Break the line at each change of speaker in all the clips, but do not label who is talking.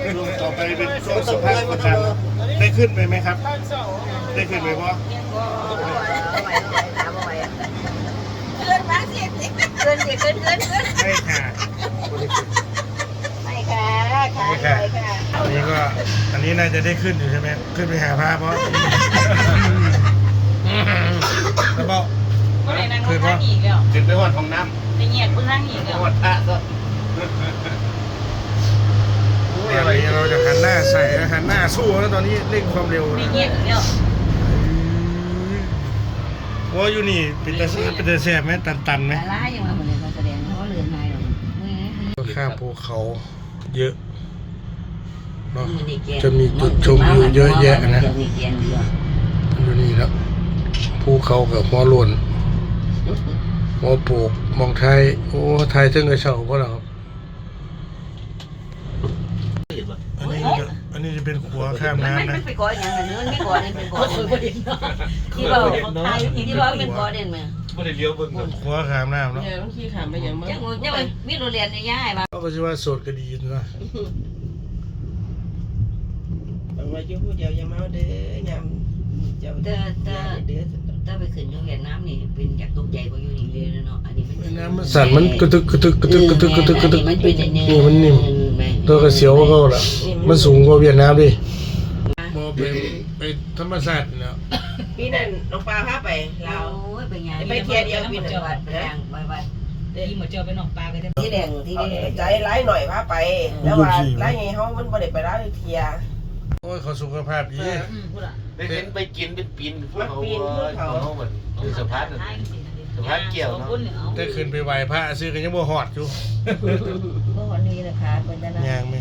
ช่วงต่อไปเป็นช่วงสัมภาษณ์ประกันได้ขึ้นไปไหมครับได้ขึ้นไปเพราะ
เกินมาสิเกินสิเกิน
ไม่ค่ะ
ไม่ค่ะค่ะ
ไม่ค่ะอันนี้ก็อันนี้น่าจะได้ขึ้นอยู่ใช่ไหมขึ้นไปหาพระเพราะแล้วบอก
ก็เลยนั่งข้างอีกแล้ว
ขึ้นไปวัดของน้ำ
ไปเงียบเพื่อนอีกแล้ว
วัดพระก็อะไรเราจะหันหน้าใส่หันหน้าสู้แล้วตอนนี้เร่งความเร็ว
ไป
นะ
เงียบแล้ว
ว่าอยู่นี่เป็นตาแสบไหมตันไหม
แต่ละยังมาเหมือนมาแสดงเขาเรือนนายหรอก
ข้ามภูเขาเยอะเนาะจะมีจุดชมวิวเยอะแยะนะอยู่นี่แล้วภูเขากับหัวโลนหัวโปกมองไทยโอ้ไทยถึงกระเช้าก็แล้วครับอันนี้จะเป็นขัวข้ามน้ำนะ
ไม่ไปก่ออย่างนั้นไม่ก่อเนี่ยเป็นก่อที่เราที่เราเป็นก่อเด่นมั้ย
ไม่ได้เลี้ยวเบิ่งเลย
ขัวข้ามน้ำเนาะ
บางทีถามไปยัง
ยังมีโรงเรียนในย่ายมา
ก็ชื่อว่าโสดก็ดีนะ
บอกว่าอยู่ผู้เดียวอย่าเมาเด้อยามเจ้าเด้อเด้อ
ถ้าไปขึ้นโรงเรียนน้ำนี่เป็นอยากตกใจกว่าอยู่นี่เลยเนาะอันนี้มัน
น้ำมันสั่นมันกระตึกนี่มันนิ่มตัวกระเสียวก็ละมันสูงกว่าเวียดนามดิมอไปธรรมศาสตร์เนาะ
พี่นั่นน้องปลาพาไปเรา
ไปงาน
ไปเที่ยวเดียวพี่นั่น
วัดไปงานวัด
ที่หมดเจอไปนอกปลาไปได้
ที่แดงที่
เอา
แดง
ใจร้ายหน่อยพาไปแล้วว่าร้ายไงเฮามันบ่ได้ไปร้ายเที่ย
โอ้ยเขาสุขภาพดี
พูดอ่ะ
ได้เห็นไปกินเป็นปีนพวกเขาเหมือนคือสะพานเกี่ยวเนาะ
ได้ขึ้นไปไหว้พระซื้อกันยังบ่ฮอดอยู่
ก็วันนี้นะคะเป็นจะนะ
ย่างไหม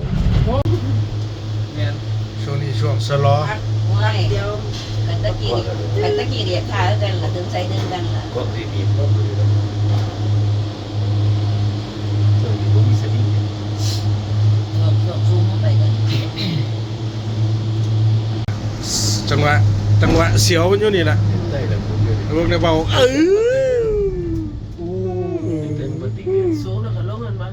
เนี่ย
ช่วงนี้ช่วงสลอ
ไม่
เดียว
กันตะกี้เรียกขากันละถึงใจดึงกันละ
ก็ดีก็ดีแล้วส่วนที่ผมมีสติ
ซูมเข้าไปกัน
จังหวะเสียวมันอยู่นี่แหละ
ได้แล้วผมอยู่
พวกในเบา
เต็มปฏิ
สูงแล้วก็ลงนั่นมา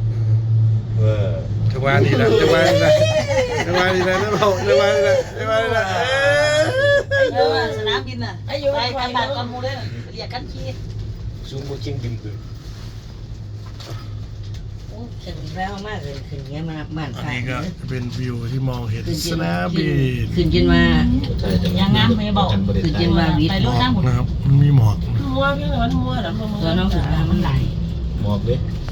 จังหวะนี้นะจังหวะนี้นะจังหวะนี้นะเบาจังหวะนี้นะจังหวะนี้นะ
สนามบินน่ะไปกันบาดกันมูเลยเรียกกันขี้
ซูมโมชิงบินคือ
โอ้ขึ้นแล้วมากเลยขึ้นเงี้ยมาบ้าน
อัน
ค่ะ
นี้ก็เป็นวิวที่มองเห็นสนามบิน
ขึ้นจนมา
ยังงามไม่บอกไปรถน้ำหมด
นะครับมันมีหมอก
มัวเพียงแต่ว่ามัวแล้วมัว
ตัวน้องถึงมามันไหล
หมอกเลย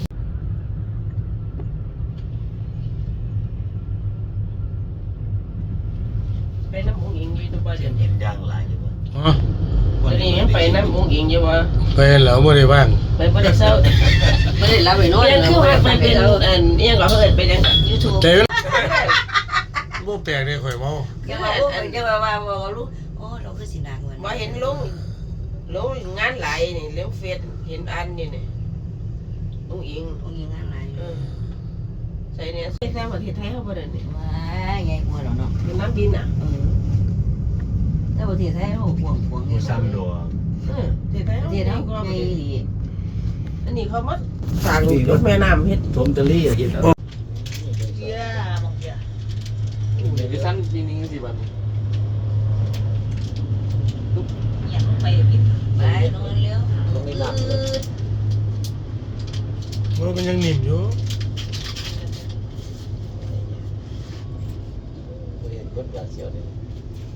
ไปน้ำองค์หญิงอยู่ตัวเดียว
เห็นย่างหลายอยู่วะ
อ๋อ
วันนี้ยังไปน้ำองค์หญิงอยู่วะ
ไปแล้วไม่ได้บ้าง
ไปบ่ได้เศร้า
ไม่ได้รับไปน้อย
ยังคือว่ามันเป็นอันยังก็เอิ้นไปยัง
ยูทูบ
ใจโม่แปลกเลยข่อยเมา
จะว่าลูกโอ้เราคือสินางเงิน
บ่เห็นลงงานหลายนี่เลี้ยงเฟซเห็นอันนี่นี่องค์หญิง
องค์ยิงงานไหน
ใส่เนี่ยใส่แท้ประเทศไทยเฮาบ่ได้นี่
ว้าไงกลัวเราเนาะ
เป็นน้ำบินอ่ะ
แต่ประเทศไทยเขาห่วง
ซ้ำดัว
ประเทศไทย
ประเทศ
เฮา
เขา
ก็
ไงดี
อันนี้เขามาสร้างรถแม่น้ำเฮ็ด
ทมตะลี่เห็นแล้ว
เยอะบอกเยอะ
เดี๋ยวสั้นปีนี้สิวัน
อยากไปพิษ
ไปนอนเร็ว
ว่ามันยังหนิ่มอยู่
เห็นรถยาเสียวเนี่ย